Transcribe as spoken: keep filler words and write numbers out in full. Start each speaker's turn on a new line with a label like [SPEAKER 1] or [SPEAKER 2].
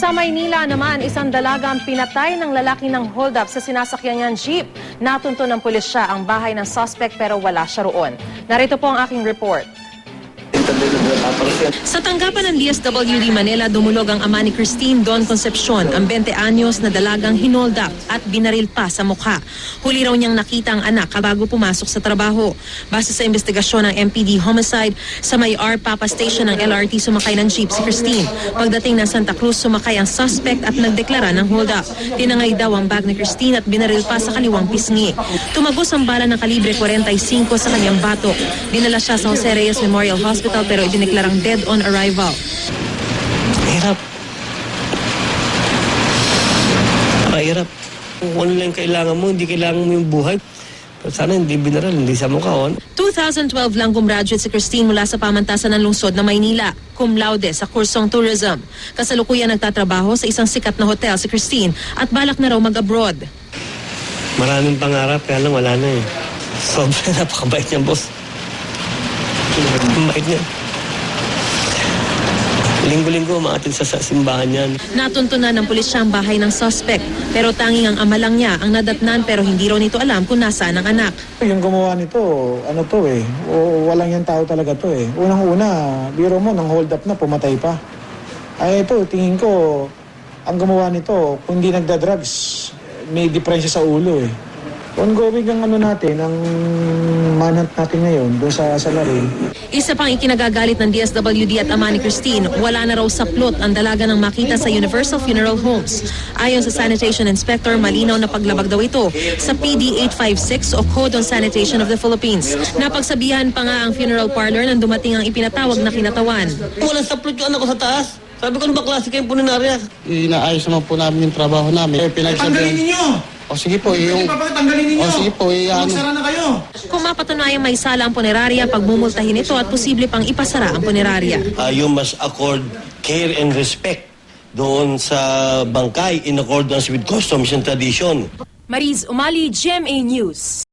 [SPEAKER 1] Sa Maynila naman, isang dalagang pinatay ng lalaki ng hold-up sa sinasakyan niyang jeep. Natunto ng pulisya ang bahay ng suspect pero wala siya roon. Narito po ang aking report. Sa tanggapan ng D S W D Manila, dumulog ang ama ni Christine Don Concepcion, ang twenty anyos na dalagang hinold up at binaril pa sa mukha. Huli raw niyang nakita ang anak bago pumasok sa trabaho. Base sa investigasyon ng M P D Homicide, sa may R Papa Station ng L R T sumakay ng jeep si Christine. Pagdating ng Santa Cruz, sumakay ang suspect at nagdeklara ng hold up. Tinangay daw ang bag ni Christine at binaril pa sa kaliwang pisngi. Tumagos ang bala ng kalibre forty-five sa kanyang batok. Dinala siya sa Jose Reyes Memorial Hospital pero idineklarang dead on arrival.
[SPEAKER 2] Mahirap. Mahirap. Kung ano lang kailangan mo, hindi kailangan mo yung buhay. Sana hindi binaral, hindi sa mukha.
[SPEAKER 1] twenty twelve lang gumraduate si Christine mula sa pamantasan ng lungsod na Maynila, cum laude sa kursong tourism. Kasalukuyan nagtatrabaho sa isang sikat na hotel si Christine at balak na raw mag-abroad.
[SPEAKER 2] Maraming pangarap, kaya lang wala na eh. Sobrang napakabait niya, boss. Mabait niya. Linggo-linggo umaatin sa simbahan yan.
[SPEAKER 1] Natunto na ng pulisya ang bahay ng suspect, pero tanging ang ama lang niya ang nadatnan pero hindi raw nito alam kung nasaan ang anak.
[SPEAKER 3] Yung gumawa nito, ano to eh, o, walang yung tao talaga to eh. Unang-una, biro mo, nang hold up na, pumatay pa. Ay ito, tingin ko, ang gumawa nito, kung hindi nagda-drugs, may diferensya sa ulo eh. Ongoing ang ano natin, ang manhunt natin ngayon doon sa salarin.
[SPEAKER 1] Isa pang ikinagagalit ng D S W D at ama ni Christine, wala na raw sa plot ang dalaga ng makita sa Universal Funeral Homes. Ayon sa Sanitation Inspector, malinaw na paglabag daw ito sa P D eight five six o Code on Sanitation of the Philippines. Napagsabihan pa nga ang funeral parlor nang dumating ang ipinatawag na kinatawan.
[SPEAKER 2] Walang sa plot yung anak ko sa taas. Sabi ko, ano ba klase kayong puninarya?
[SPEAKER 4] Inaayos naman po namin yung trabaho namin.
[SPEAKER 5] Tanggalin ninyo!
[SPEAKER 4] O sige po, yung...
[SPEAKER 5] Tanggalin ninyo!
[SPEAKER 4] O sige po, yung...
[SPEAKER 5] Magsara na kayo!
[SPEAKER 1] Kung mapatunayang may sala ang punerarya, pagmumultahin ito at posible pang ipasara ang punerarya.
[SPEAKER 2] Uh, you must accord care and respect doon sa bangkay in accordance with customs and tradition.
[SPEAKER 1] Mariz Umali, G M A News.